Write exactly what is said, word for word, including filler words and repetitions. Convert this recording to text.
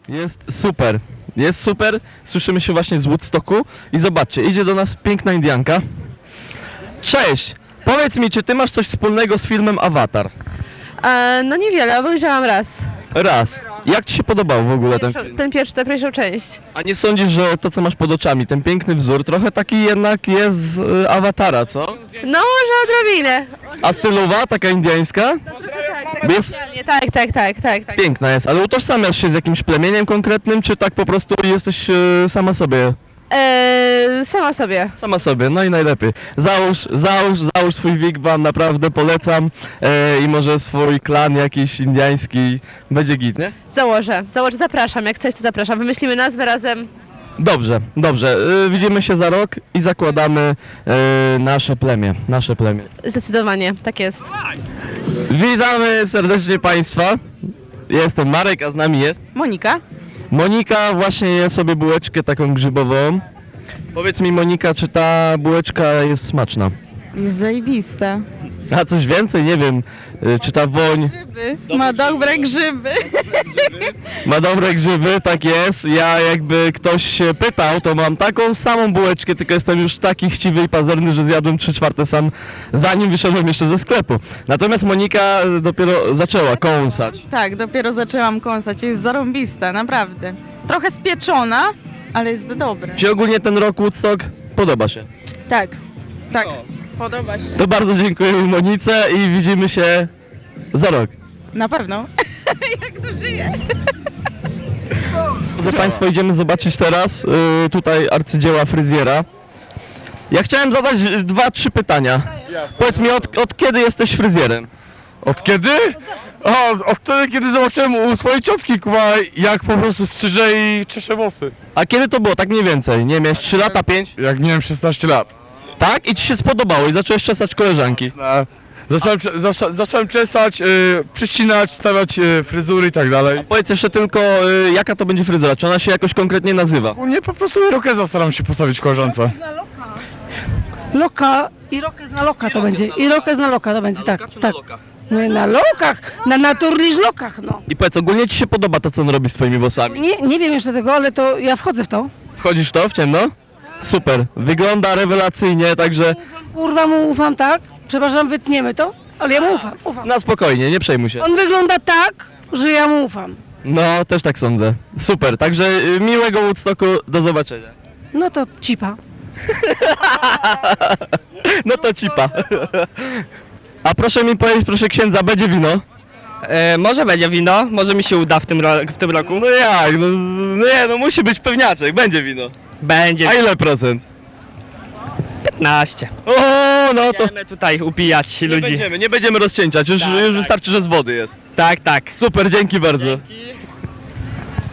Jest super, jest super. Słyszymy się właśnie z Woodstocku i zobaczcie, idzie do nas piękna Indianka. Cześć! Powiedz mi, czy ty masz coś wspólnego z filmem Avatar? E, no niewiele, obejrzałam raz. Raz. Jak ci się podobał w ogóle ten Pierwszą, film? ten pierwszy, tę pierwszą część. A nie sądzisz, że to, co masz pod oczami, ten piękny wzór, trochę taki jednak jest z y, Awatara, co? No może odrobinę. A stylowa, taka indiańska? Tak, Jest tak, tak, tak, tak, tak, tak. piękna jest, ale utożsamiasz się z jakimś plemieniem konkretnym, czy tak po prostu jesteś y, sama sobie? E, sama sobie. Sama sobie, no i najlepiej. Załóż, załóż, załóż swój wigwam, naprawdę polecam e, i może swój klan jakiś indiański, będzie git, nie? Założę, założę, zapraszam, jak coś to zapraszam. Wymyślimy nazwę razem. Dobrze, dobrze, e, widzimy się za rok i zakładamy e, nasze plemię, nasze plemię. Zdecydowanie, tak jest. Witamy serdecznie Państwa, jestem Marek, a z nami jest Monika? Monika, właśnie je sobie bułeczkę taką grzybową. Powiedz mi Monika, czy ta bułeczka jest smaczna? Jest zajebista. A coś więcej? Nie wiem, y, czy ta woń Grzyby. Ma dobre grzyby. ma dobre grzyby, tak jest. Ja jakby ktoś się pytał, to mam taką samą bułeczkę, tylko jestem już taki chciwy i pazerny, że zjadłem trzy czwarte sam, zanim wyszedłem jeszcze ze sklepu. Natomiast Monika dopiero zaczęła kąsać. Tak, dopiero zaczęłam kąsać. Jest zarąbista, naprawdę. Trochę spieczona, ale jest dobre. Czy ogólnie ten rok Woodstock podoba się? Tak, tak. Podoba się. To bardzo dziękujemy Monice i widzimy się za rok. Na pewno. Jak to żyje? Drodzy Państwo, idziemy zobaczyć teraz y, tutaj arcydzieła fryzjera. Ja chciałem zadać y, dwa, trzy pytania. Powiedz mi, od, od kiedy jesteś fryzjerem? Od kiedy? O, od wtedy, kiedy zobaczyłem u swojej ciotki, kuba, jak po prostu strzyże i czesze włosy. A kiedy to było? Tak mniej więcej, nie miałeś trzy lata, pięć? Jak miałem szesnaście lat. Tak? I ci się spodobało i zacząłeś czesać koleżanki. E, Zacząłem, cze- zasa- zacząłem czesać, y, przycinać, stawiać y, fryzury i tak dalej. Powiedz jeszcze tylko, y, jaka to będzie fryzura? Czy ona się jakoś konkretnie nazywa? U mnie po prostu irokeza staram się postawić koleżance. Loka i rokez na loka to będzie. I rokez na loka to będzie, tak, tak. No i na lokach, na naturliż lokach, no. I powiedz, ogólnie ci się podoba to, co on robi z twoimi włosami? Nie, nie wiem jeszcze tego, ale to ja wchodzę w to. Wchodzisz w to, w ciemno? Super, wygląda rewelacyjnie, także Kurwa mu ufam, tak? Przepraszam, wytniemy to, ale ja mu ufam, ufam. na spokojnie, nie przejmuj się. On wygląda tak, że ja mu ufam. No, też tak sądzę. Super, także y, miłego Woodstocku, do zobaczenia. No to cipa. No to cipa. A proszę mi powiedzieć, proszę księdza, będzie wino? E, może będzie wino, może mi się uda w tym, ro w tym roku. No jak, no, z- no nie, no musi być pewniaczek, będzie wino. Będzie A ile procent? piętnaście. O, no to Będziemy tutaj upijać nie ludzi. będziemy, nie będziemy rozcieńczać, już, Tak, już tak. wystarczy, że z wody jest. Tak, tak. Super, dzięki bardzo. Dzięki.